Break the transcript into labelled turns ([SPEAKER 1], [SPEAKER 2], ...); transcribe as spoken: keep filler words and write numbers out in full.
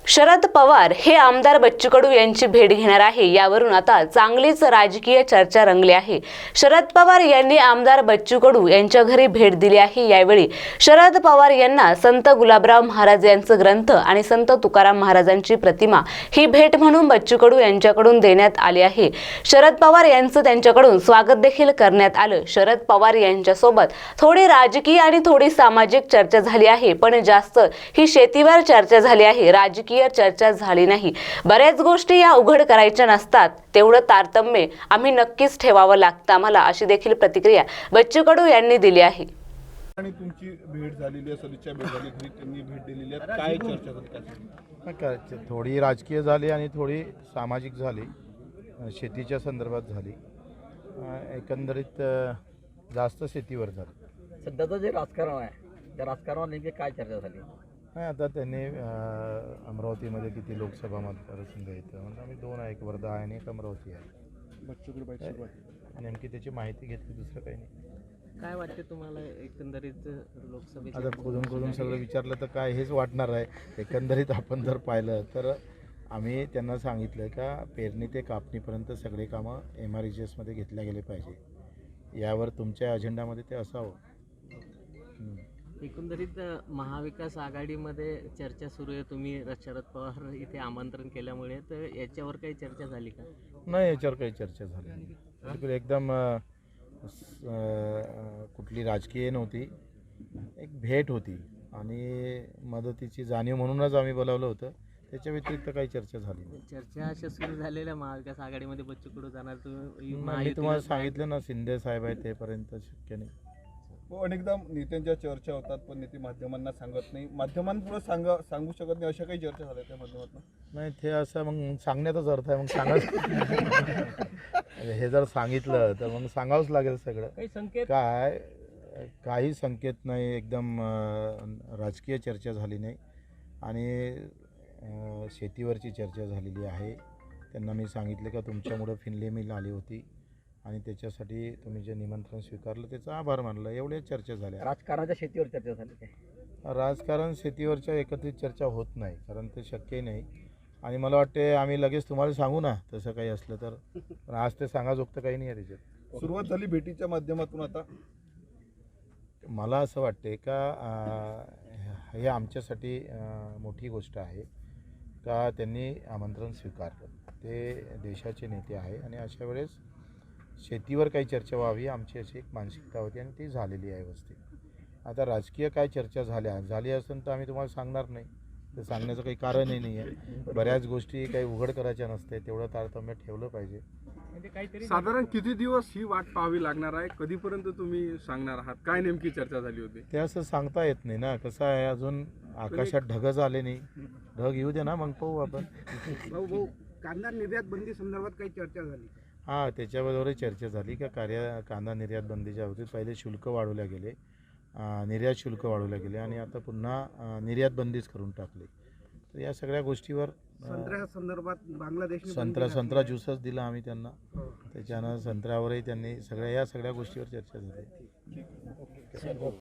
[SPEAKER 1] शरद पवार हे आमदार बच्चू कडू यांची भेट घेणार आहे। यावरून आता चांगलीच राजकीय चर्चा रंगली आहे। शरद पवार यांनी आमदार बच्चू कडू यांच्या घरी भेट दिली आहे। यावेळी शरद पवार यांना संत गुलाबराव महाराज यांचे ग्रंथ आणि संत तुकाराम महाराजांची प्रतिमा ही भेट म्हणून बच्चू कडू यांच्याकडून देण्यात आली आहे। शरद पवार यांचे त्यांच्याकडून स्वागत देखील करण्यात आले। शरद पवार यांच्या सोबत थोडी राजकीय आणि थोडी सामाजिक चर्चा झाली आहे, पण जास्त ही शेतीवर चर्चा झाली आहे। राजकीय चर्चा झाली नाही। बऱ्याच गोष्टी या उघड करायच्या नसतात, तेवढं तारतम्य आम्ही नक्कीच ठेवावं लागतं आम्हाला, अशी देखील प्रतिक्रिया बच्चू कडू यांनी दिली आहे।
[SPEAKER 2] आणि तुमची भेट झालेली आहे, सदिच्छा भेट झाली, घरी त्यांनी भेट दिलेली आहे, काय चर्चा झाली?
[SPEAKER 3] काय थोडी राजकीय झाली आणि थोडी सामाजिक झाली, शेतीच्या संदर्भात झाली, एकंदरीत जास्त शेतीवर झाली।
[SPEAKER 4] सध्याचं जे राजकारण आहे त्या राजकारणावर नेमकी काय चर्चा झाली?
[SPEAKER 3] नाही, आता त्यांनी अमरावतीमध्ये किती लोकसभा मतदारसंघ येतं म्हणजे आम्ही दोन आहे, एक वर्धा आहे आणि एक अमरावती आहे। नेमकी त्याची माहिती घेतली, दुसरं काही नाही।
[SPEAKER 4] काय वाटते तुम्हाला एकंदरीत लोकसभेत?
[SPEAKER 3] आता खोदून खोदून सगळं विचारलं तर काय हेच वाटणार आहे। एकंदरीत आपण जर पाहिलं तर आम्ही त्यांना सांगितलं का पेरणी ते कापणीपर्यंत सगळे कामं एम आर ई जी एसमध्ये घेतल्या गेले पाहिजे, यावर तुमच्या अजेंडामध्ये ते असावं।
[SPEAKER 4] एकंदरीत महाविकास आघाडीमध्ये चर्चा सुरू आहे, तुम्ही शरद पवार इथे आमंत्रण केल्यामुळे, तर याच्यावर काही चर्चा झाली का?
[SPEAKER 3] नाही, याच्यावर काही चर्चा झाली नाही। बिलकुल एकदम कुठली राजकीय नव्हती, एक भेट होती आणि मदतीची जाणीव म्हणूनच आम्ही बोलावलं होतं, त्याच्या व्यतिरिक्त काही चर्चा झाली नाही।
[SPEAKER 4] चर्चा अशा सुरू झालेल्या महाविकास आघाडीमध्ये बच्चू कडू जाणार,
[SPEAKER 3] मी तुम्हाला सांगितलं ना, शिंदे साहेब आहे तेपर्यंत शक्य नाही।
[SPEAKER 2] हो, अनेकदा नेत्यांच्या चर्चा होतात, पण नेते माध्यमांना सांगत नाही, माध्यमांपुढे सांगा सांगू शकत नाही, अशा काही चर्चा झाल्या त्या माध्यमातून?
[SPEAKER 3] नाही, ते असं मग सांगण्याचाच अर्थ आहे, मग सांगा हे जर सांगितलं तर मग सांगावंच लागेल सगळं।
[SPEAKER 4] काही संकेत
[SPEAKER 3] काय काही संकेत नाही, एकदम राजकीय चर्चा झाली नाही आणि शेतीवरची चर्चा झालेली आहे। त्यांना मी सांगितलं का तुमच्यामुळं फिनले मिल आली होती आणि त्याच्यासाठी तुम्ही जे निमंत्रण स्वीकारलं त्याचा आभार मानलं, एवढ्या चर्चा झाल्या।
[SPEAKER 4] राजकारणाच्या शेतीवर चर्चा झाली काय?
[SPEAKER 3] राजकारण शेतीवरच्या एकत्रित चर्चा होत नाही, कारण ते शक्यही नाही आणि मला वाटते आम्ही लगेच तुम्हाला सांगू ना तसं काही असलं तर, पण आज ते सांगाजोगतं काही नाही आहे त्याच्यात।
[SPEAKER 2] सुरुवात झाली भेटीच्या माध्यमातून, आता
[SPEAKER 3] मला असं वाटते का हे आमच्यासाठी मोठी गोष्ट आहे का त्यांनी आमंत्रण स्वीकारलं, ते देशाचे नेते आहे आणि अशा वेळेस शेतीवर काही चर्चा व्हावी आमची अशी एक मानसिकता होती आणि ती झालेली आहे व्यवस्थित। आता राजकीय काय चर्चा झाल्या झाली असेल तर आम्ही तुम्हाला सांगणार नाही, ते सांगण्याचं काही कारणही नाही आहे। बऱ्याच गोष्टी काही उघड करायच्या नसते, तेवढं तारतम्य ठेवलं पाहिजे।
[SPEAKER 5] साधारण किती दिवस ही वाट पाहावी लागणार आहे, कधीपर्यंत तुम्ही सांगणार आहात, काय नेमकी चर्चा झाली होती?
[SPEAKER 3] ते असं सांगता येत नाही ना, कसं आहे अजून आकाशात ढगच आले नाही, ढग येऊ दे ना मग पाहू आपण।
[SPEAKER 5] भाऊ भाऊ कांदा निर्यात बंदी संदर्भात काही चर्चा झाली?
[SPEAKER 3] हां, त्याच्याबरोबरही चर्चा झाली का कार्य कांदा निर्यात बंदीच्या बाबतीत पहिले शुल्क वाढवल्या गेले, निर्यात शुल्क वाढवल्या गेले आणि आता पुन्हा निर्यात बंदीच करून टाकली। तर या सगळ्या गोष्टीवर
[SPEAKER 5] संत्र्या संदर्भात बांगलादेश
[SPEAKER 3] संत्रा संत्रा ज्यूसच दिला आम्ही त्यांना, त्याच्यानं संत्र्यावरही त्यांनी सगळ्या या सगळ्या गोष्टीवर चर्चा झाली।